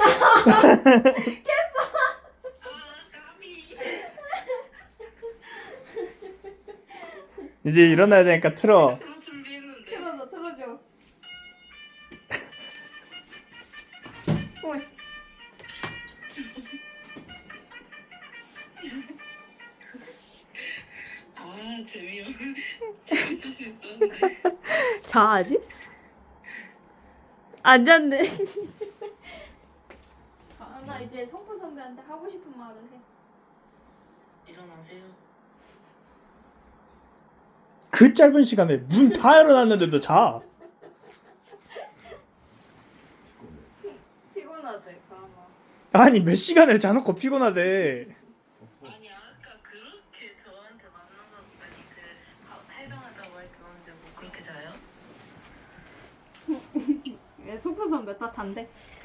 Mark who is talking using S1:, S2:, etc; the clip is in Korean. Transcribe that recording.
S1: 이제 일어나야 되니까 틀어.
S2: 준비했는데.
S3: 틀어줘. 어이.
S2: 아 재밌을 수 있었는데.
S3: 자아지? 앉았네. 나 이제 성포 선배한테 하고 싶은 말을 해.
S2: 일어나세요.
S1: 그 짧은 시간에 문 다 열어놨는데도 자.
S3: 피곤하대, 가마.
S1: 아니 몇 시간을 자놓고 피곤하대.
S2: 아니 아까 그렇게 저한테 만나서 아니 그 해당하다고 할 그건데 뭐 그렇게 자요?
S3: 왜 성포 선배 다 잔대?